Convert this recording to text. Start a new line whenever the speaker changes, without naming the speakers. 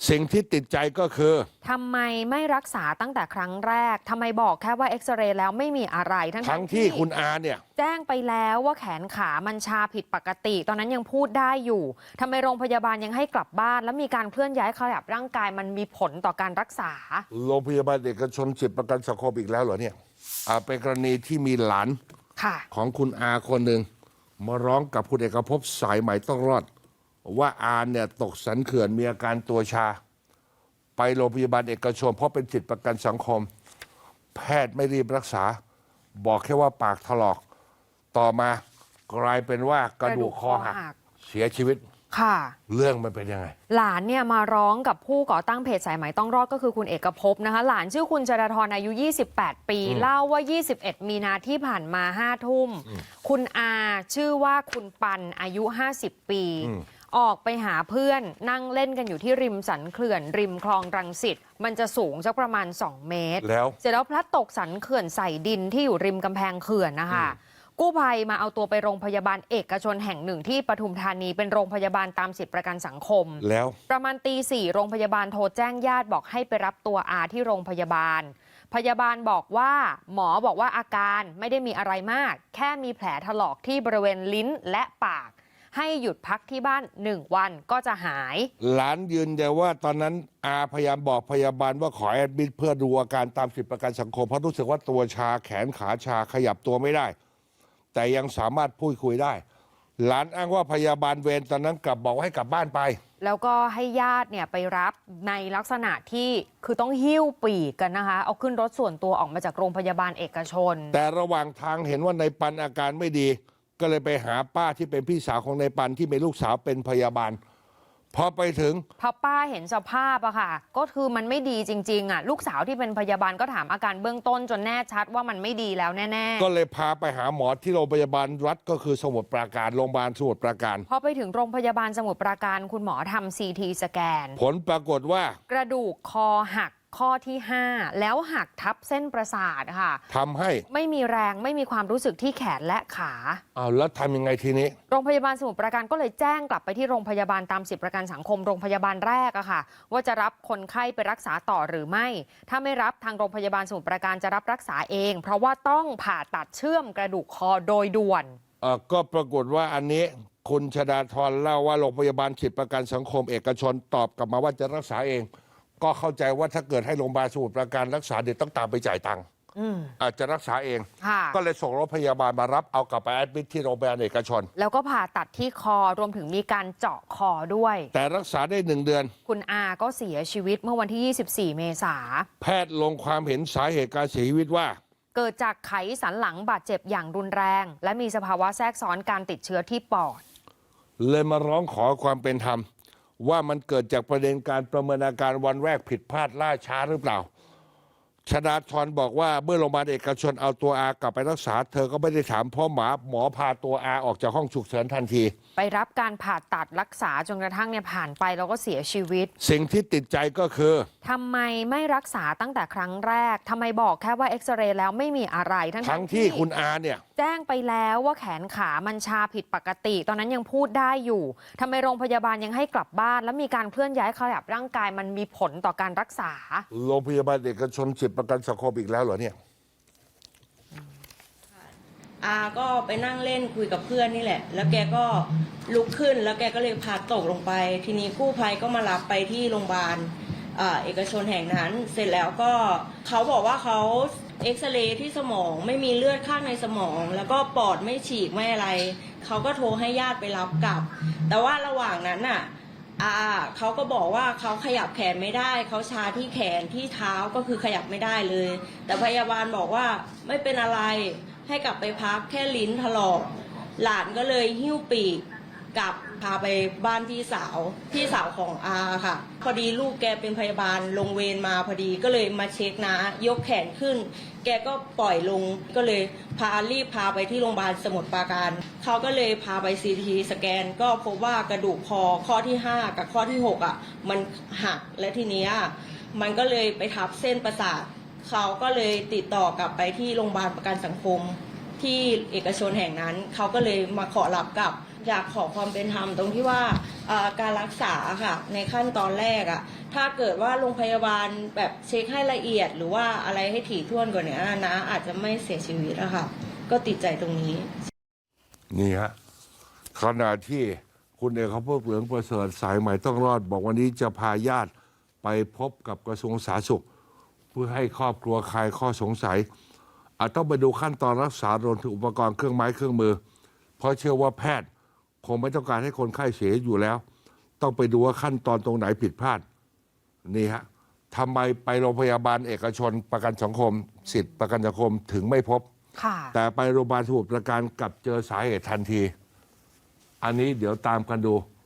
สิ่งที่ติดใจก็คือ
ทำไมไม่รักษาตั้งแต่ครั้งแรกทำไมบอกแค่ว่าเอ็กซเรย์แล้วไม่มีอะไรทั้งที่
คุณอาเนี่ย
แจ้งไปแล้วว่าแขนขามันชาผิดปกติตอนนั้นยังพูดได้อยู่ทำไมโรงพยาบาลยังให้กลับบ้านแล้วมีการเคลื่อนย้ายขยับร่างกายมันมีผลต่อการรักษา
โรงพยาบาลเอกชนสิทธิประกันสังคมอีกแล้วเหรอเนี่ยเป็นกรณีที่มีหลานของคุณอาคนหนึ่งมาร้องกับคุณเอกภพสายใหม่ต้องรอดว่าอาเนี่ยตกสันเขื่อนมีอาการตัวชาไปโรงพยาบาลเอกชนเพราะเป็นสิทธิประกันสังคมแพทย์ไม่รีบรักษาบอกแค่ว่าปากถลอกต่อมากลายเป็นว่ากระดูกคอหักเสียชีวิต
ค่ะ
เรื่องมันเป็นยังไง
หลานเนี่ยมาร้องกับผู้ก่อตั้งเพจสายไหมต้องรอดก็คือคุณเอกภพนะคะหลานชื่อคุณจราธรอายุ28ปีเล่าว่า21มีนาที่ผ่านมา5 ทุ่มคุณอาชื่อว่าคุณปันอายุ50ปีออกไปหาเพื่อนนั่งเล่นกันอยู่ที่ริมสันเขื่อนริมคลองรังสิตมันจะสูงสักประมาณ2 เมตรเสร็จแล้วพลัดตกสันเขื่อนใส่ดินที่อยู่ริมกำแพงเขื่อนนะคะกู้ภัยมาเอาตัวไปโรงพยาบาลเอกชนแห่งหนึ่งที่ปทุมธานีเป็นโรงพยาบาลตามสิทธิประกันสังคม
แล้ว
ประมาณตี 4โรงพยาบาลโทรแจ้งญาติบอกให้ไปรับตัวอาที่โรงพยาบาลพยาบาลบอกว่าหมอบอกว่าอาการไม่ได้มีอะไรมากแค่มีแผลถลอกที่บริเวณลิ้นและปากให้หยุดพักที่บ้าน1 วันก็จะหาย
หลานยืนยันว่าตอนนั้นอาพยายามบอกพยาบาลว่าขอแอดมิดเพื่อดูอาการตามสิทธิประกันสังคมเพราะรู้สึกว่าตัวชาแขนขาชาขยับตัวไม่ได้แต่ยังสามารถพูดคุยได้หลานอ้างว่าพยาบาลเวรตอนนั้นกลับบอกให้กลับบ้านไป
แล้วก็ให้ญาติเนี่ยไปรับในลักษณะที่คือต้องหิ้วปีกกันนะคะเอาขึ้นรถส่วนตัวออกมาจากโรงพยาบาลเอกชน
แต่ระหว่างทางเห็นว่าในปันอาการไม่ดีก็เลยไปหาป้าที่เป็นพี่สาวของในปันที่เป็นลูกสาวเป็นพยาบาลพอไปถึง
พอป้าเห็นสภาพอะค่ะก็คือมันไม่ดีจริงๆอะลูกสาวที่เป็นพยาบาลก็ถามอาการเบื้องต้นจนแน่ชัดว่ามันไม่ดีแล้วแน่
ๆก็เลยพาไปหาหมอที่โรงพยาบาลรัฐก็คือสมุทรปราการโรงพยาบาลสมุทรปราการ
พอไปถึงโรงพยาบาลสมุทรปราการคุณหมอทำ CT สแกน
ผลปรากฏว่าก
ระดูกคอหักข้อที่5แล้วหักทับเส้นประสาทค่ะ
ทำให้
ไม่มีแรงไม่มีความรู้สึกที่แขนและขา
แล้วทำยังไงทีนี้
โรงพยาบาลสมุทรปราการก็เลยแจ้งกลับไปที่โรงพยาบาลตามสิทธิประกันสังคมโรงพยาบาลแรกอะค่ะว่าจะรับคนไข้ไปรักษาต่อหรือไม่ถ้าไม่รับทางโรงพยาบาลสมุทรปราการจะรับรักษาเองเพราะว่าต้องผ่าตัดเชื่อมกระดูกคอโดยด่วน
ก็ปรากฏว่าอันนี้คุณชฎาธรเล่าว่าโรงพยาบาลสิทธิประกันสังคมเอกชนตอบกลับมาว่าจะรักษาเองก็เข้าใจว่าถ้าเกิดให้โรงพยาบาลสมุทรปราการรักษาเดี๋ยวต้องตามไปจ่ายตังค์อาจจะรักษาเองก็เลยส่งรถพยาบาลมารับเอากลับไปแอดมิทที่โรงพยาบาลเอกชน
แล้วก็ผ่าตัดที่คอรวมถึงมีการเจาะคอด้วย
แต่รักษาได้1 เดือน
คุณอาก็เสียชีวิตเมื่อวันที่24เมษายน
แพทย์ลงความเห็นสาเหตุการเสียชีวิตว่า
เกิดจากไขสันหลังบาดเจ็บอย่างรุนแรงและมีสภาวะแทรกซ้อนการติดเชื้อที่ปอด
เลยมาร้องขอความเป็นธรรมว่ามันเกิดจากประเด็นการประเมินอาการวันแรกผิดพลาดล่าช้าหรือเปล่าชฎาธรบอกว่าเมื่อโรงพยาบาลเอกชนเอาตัวอากลับไปรักษาเธอก็ไม่ได้ถามเพราะหมอพาตัวอาออกจากห้องฉุกเฉินทันที
ไปรับการผ่าตัดรักษาจนกระทั่งเนี่ยผ่านไปแล้วก็เสียชีวิต
สิ่งที่ติดใจก็คือ
ทำไมไม่รักษาตั้งแต่ครั้งแรกทำไมบอกแค่ว่าเอ็กซเรย์แล้วไม่มีอะไร
ทั้งที่คุณอาเนี่ย
แจ้งไปแล้วว่าแขนขามันชาผิดปกติตอนนั้นยังพูดได้อยู่ทำไมโรงพยาบาลยังให้กลับบ้านแล้วมีการเคลื่อนย้ายขยับร่างกายมันมีผลต่อการรักษา
โรงพยาบาลเอกชนสิทธิประกันสังคมอีกแล้วเหรอเนี่ย
อาก็ไปนั่งเล่นคุยกับเพื่อนนี่แหละแล้วแกก็ลุกขึ้นแล้วแกก็เลยพาตกลงไปทีนี้กู้ภัยก็มารับไปที่โรงพยาบาลเอกชนแห่งนั้นเสร็จแล้วก็เขาบอกว่าเขาเอ็กซเรย์ที่สมองไม่มีเลือดข้างในสมองแล้วก็ปอดไม่ฉีกไม่อะไรเขาก็โทรให้ญาติไปรับกลับแต่ว่าระหว่างนั้นน่ะเขาก็บอกว่าเขาขยับแขนไม่ได้เขาชาที่แขนที่เท้าก็คือขยับไม่ได้เลยแต่พยาบาลบอกว่าไม่เป็นอะไรให้กลับไปพักแค่ลิ้นถลอกหลานก็เลยหิ้วปีกกลับพาไปบ้านพี่สาวของอาค่ะพอดีลูกแกเป็นพยาบาลลงเวรมาพอดีก็เลยมาเช็คนะยกแขนขึ้นแกก็ปล่อยลงก็เลยรีบพาไปที่โรงพยาบาลสมุทรปราการเขาก็เลยพาไปCTสแกนก็พบว่ากระดูกคอข้อที่5กับข้อที่6มันหักและทีนี้มันก็เลยไปทับเส้นประสาทเขาก็เลยติดต่อกลับไปที่โรงพยาบาลประกันสังคมที่เอกชนแห่งนั้นเขาก็เลยมาขอรับกลับอยากขอความเป็นธรรมตรงที่ว่าการรักษาค่ะในขั้นตอนแรกถ้าเกิดว่าโรงพยาบาลแบบเช็คให้ละเอียด หรือว่าอะไรให้ถี่ถ้วนกว่านี้นะอาจจะไม่เสียชีวิตอะค่ะก็ติดใจตรงนี้
นี่ฮะขณะที่คุณเอกภพเหลืองประเสริฐสายใหม่ต้องรอด บอกวันนี้จะพาญาติไปพบกับกระทรวงสาธารณสุข เพื่อให้ครอบครัวคลายข้อสงสัยอาจต้องไปดูขั้นตอนรักษารวมถึงอุปกรณ์เครื่องไม้เครื่องมือ เพราะเชื่อว่าแพทย์คงไม่ต้องการให้คนไข้เสียอยู่แล้ว ต้องไปดูว่าขั้นตอนตรงไหนผิดพลาดนี่ฮะทำไมไปโรงพยาบาลเอกชนประกันสังคม สิทธิประกันสังคมถึงไม่พบ
ค่ะ
แต่ไปโรงพยาบาลสมุทรปราการกลับเจอสาเหตุทันที อันนี้เดี๋ยวตามกันดู